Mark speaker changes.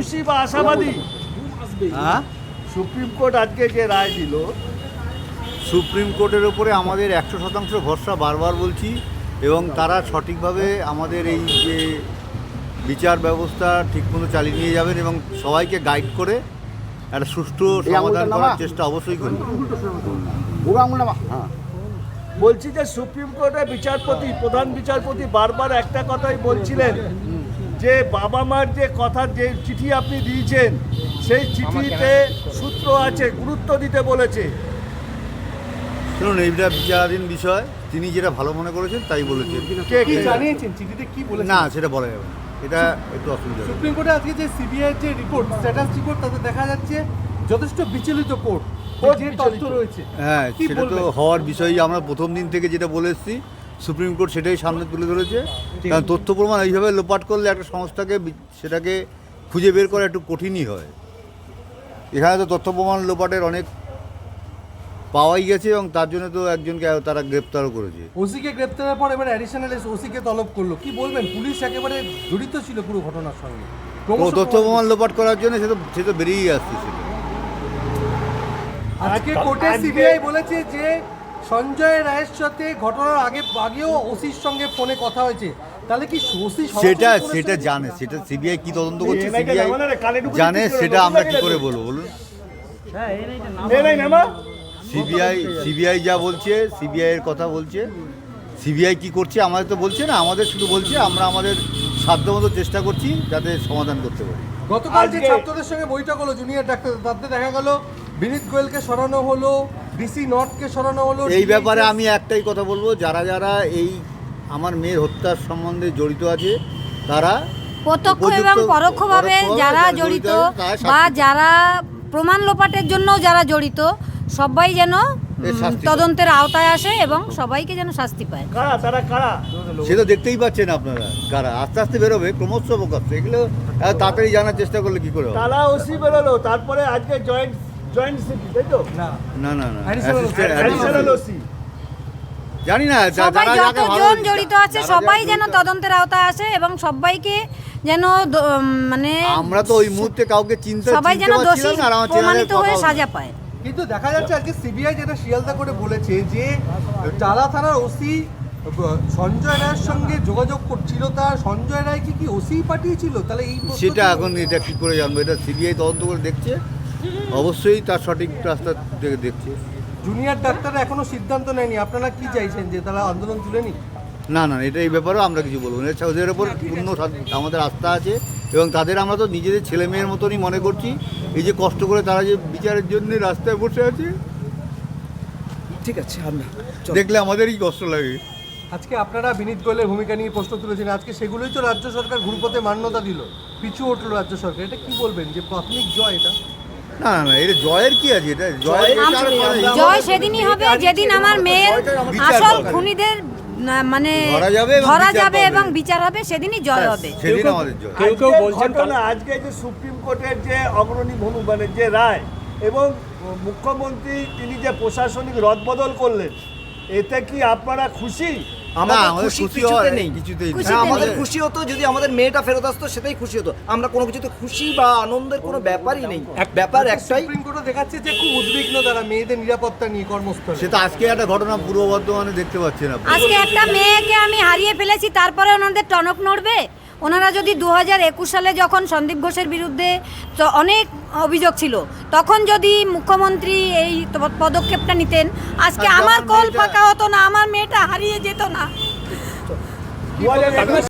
Speaker 1: খুশি বা আশাবাদী?
Speaker 2: হ্যাঁ,
Speaker 1: সুপ্রিম কোর্ট আজকে যে রায় দিল,
Speaker 2: সুপ্রিম কোর্টের ওপরে আমাদের 100% ভরসা বারবার বলছি, এবং তারা সঠিকভাবে আমাদের এই যে বিচার ব্যবস্থা ঠিকমতো চালিয়ে নিয়ে যাবেন এবং সবাইকে গাইড করে একটা সুষ্ঠু সমাধান করার চেষ্টা অবশ্যই করবেন।
Speaker 1: বলছি যে সুপ্রিম কোর্টের বিচারপতি, প্রধান বিচারপতি বারবার একটা কথাই বলছিলেন যে বাবা মার যে কথা, যে চিঠি আপনি দিয়েছেন সেই চিঠিতে সূত্র আছে, গুরুত্ব দিতে বলেছে।
Speaker 2: শুনুন, এইটা বিচারাধীন বিষয়, তিনি যেটা ভালো মনে করেছেন তাই বলেছেন।
Speaker 3: কি জানিয়েছেন চিঠিতে, কি বলেছেন?
Speaker 2: না, সেটা বলা যাবে না, এটা একটু অসুবিধা হবে।
Speaker 3: সুপ্রিম কোর্টে আজকে যে সিবিআই যে রিপোর্ট, স্ট্যাটাস রিপোর্ট, তাতে দেখা যাচ্ছে যথেষ্ট বিচলিত কোর্ট, যে তথ্য রয়েছে।
Speaker 2: হ্যাঁ,
Speaker 3: কি
Speaker 2: সেটা তো
Speaker 3: বলবেন?
Speaker 2: হওয়ার বিষয়ই আমরা প্রথম দিন থেকে যেটা বলে এসেছি, সুপ্রিম কোর্ট সেটাই সামনে তুলে ধরেছে। কারণ তথ্য প্রমাণ এইভাবে লোপাট করলে একটা সংস্থাকে সেটাকে খুঁজে বের করা একটু কঠিনই হয়। এখানে তো তথ্য প্রমাণ লোপাটের অনেক পাওয়াই গেছে, এবং তার জন্য তো একজনকে তারা গ্রেপ্তারও করেছে।
Speaker 3: ওসিকে গ্রেপ্তারের পর এবার অ্যাডিশনাল ওসিকে তলব করলো। কি বলবেন? পুলিশ একেবারে জড়িত ছিল পুরো ঘটনার সঙ্গে।
Speaker 2: ও তথ্য প্রমাণ লোপাট করার জন্য সে তো বেরিয়েই আসতেছিল।
Speaker 3: আজকে কোর্টে সিবিআই বলেছে যে সঞ্জয় রায়ের সাথে ঘটনার আগেও ওসির সঙ্গে ফোনে কথা হয়েছে। তাহলে কি ওসি
Speaker 2: সেটা জানে, সেটা সিবিআই কি তদন্ত করছে সিবিআই জানে, সেটা আমরা কি করে বলবো বলুন? সিবিআই যা বলছে, সিবিআই এর কথা বলছে, সিবিআই কি করছে আমাদের তো বলছে না, আমাদের শুধু বলছে আমরা আমাদের সাধ্যমতো চেষ্টা করছি যাতে সমাধান করতে পারি।
Speaker 3: গতকাল যে ছাত্রদের সঙ্গে বৈঠক হলো জুনিয়র ডাক্তার, তাতে দেখা গেল বিনীত গোয়েলকে সরানো হলো, ডিসি নর্থকে সরানো হলো।
Speaker 2: এই ব্যাপারে আমি একটাই কথা বলবো, যারা যারা এই আমার মেয়ের হত্যার সম্বন্ধে জড়িত আছে, তারা
Speaker 4: প্রত্যক্ষ এবং পরোক্ষভাবে যারা জড়িত বা যারা প্রমাণ লোপাটের জন্য যারা জড়িত, সবাই যেন তদন্তের আওতায় আসে এবং সবাইকে যেন শাস্তি পায়।
Speaker 1: কারা
Speaker 2: সে তো দেখতেই পাচ্ছেন আপনারা, কারা আস্তে আস্তে বেরোবে, ক্রমশ প্রকাশ। এগুলো তাড়াতাড়ি জানার চেষ্টা করলে কি করে হবে?
Speaker 1: তারা ওসি বেরোলো, তারপরে আজকে জয়েন্ট সিপি, তাই তো?
Speaker 3: না
Speaker 2: না না না,
Speaker 1: অ্যাডিশনাল ওসি।
Speaker 2: জানি না
Speaker 4: সবাই
Speaker 2: যারা যাকে ভালো
Speaker 4: যতজন জড়িত আছে সবাই যেন তদন্তের আওতায় আসে এবং সবাইকে যেন মানে
Speaker 2: আমরা তো ওই মুহূর্তে কাউকে
Speaker 4: সবাই যেন দোষী প্রমাণিত হয়ে সাজা পায়।
Speaker 3: কিন্তু দেখা যাচ্ছে আজকে সিবিআই যেটা শিয়ালদা করে বলেছে যে টালা থানার ওসি সঞ্জয় রায়ের সঙ্গে যোগাযোগ করছিল, তার সঞ্জয় রায় কি ওসি পাঠিয়েছিল? তাহলে এই
Speaker 2: সেটা এখন এটা কি করে জানবো? এটা সিবিআই তদন্ত করে দেখছে, অবশ্যই তার সঠিক রাস্তা থেকে দেখছে।
Speaker 3: জুনিয়র ডাক্তাররা এখনো সিদ্ধান্ত নেয়নি, আপনারা কি চাইছেন যে তারা আন্দোলন তুলে নিক?
Speaker 2: না না, এটা এই ব্যাপারেও আমরা কিছু বলবো না। ওদের ওপর পূর্ণ আমাদের আস্থা আছে, এবং তাদের আমরা তো নিজেদের ছেলে মেয়ের মতনই মনে করছি। এই যে কষ্ট করে তারা যে বিচারের জন্য রাস্তায় বসে আছে,
Speaker 5: ঠিক আছে, আমরা
Speaker 2: দেখলে আমাদেরই কষ্ট লাগে।
Speaker 3: আজকে আপনারা বিনীত গোয়েলের ভূমিকা নিয়ে প্রশ্ন তুলেছেন, আজকে সেগুলোই তো রাজ্য সরকার ঘুরপথে মান্যতা দিল, পিছু উঠলো রাজ্য সরকার। এটা কি বলবেন যে প্রাথমিক জয় এটা?
Speaker 2: না না, এটা জয়ের কি আছে? এটা
Speaker 4: জয় সেদিনই হবে যেদিন আমার মেয়ের আসল খুনিদের মানে ধরা যাবে এবং বিচার হবে, সেদিনই জয় হবে।
Speaker 2: সেদিন আমাদের জয়।
Speaker 1: কেউ বলছেন না আজকে যে সুপ্রিম কোর্টের যে অগ্রণী ভূমি, মানে যে রায়, এবং মুখ্যমন্ত্রী তিনি যে প্রশাসনিক রদবদল করলেন, এতে কি আপনারা খুশি?
Speaker 5: আমাদের খুশি কিছুতে নেই।
Speaker 2: কিছুতেই নেই।
Speaker 5: হ্যাঁ, আমাদের খুশি হতো যদি আমাদের মেয়েটা ফেরত আসতো, সেটাই খুশি হতো। আমরা কোনো কিছুতে খুশি বা আনন্দের কোনো ব্যাপারই নেই। ব্যাপার একটাই,
Speaker 3: সুপ্রিম কোর্টে দেখাচ্ছে যে খুব উদ্বিগ্ন তারা মেয়েদের নিরাপত্তা নিয়ে কর্মস্থলে।
Speaker 2: সেটা আজকে একটা ঘটনা পূর্ব বর্ধমানে দেখতে পাচ্ছেন আপনি।
Speaker 4: আজকে একটা মেয়েকে আমি হারিয়ে ফেলেছি, তারপরে ওনাদের টনক নড়বে? ওনারা যদি 2021 সালে যখন সন্দীপ ঘোষের বিরুদ্ধে অনেক অভিযোগ ছিল, তখন যদি মুখ্যমন্ত্রী এই পদক্ষেপটা নিতেন, আজকে আমার কল ফাঁকা হতো না, আমার মেয়েটা হারিয়ে যেত না।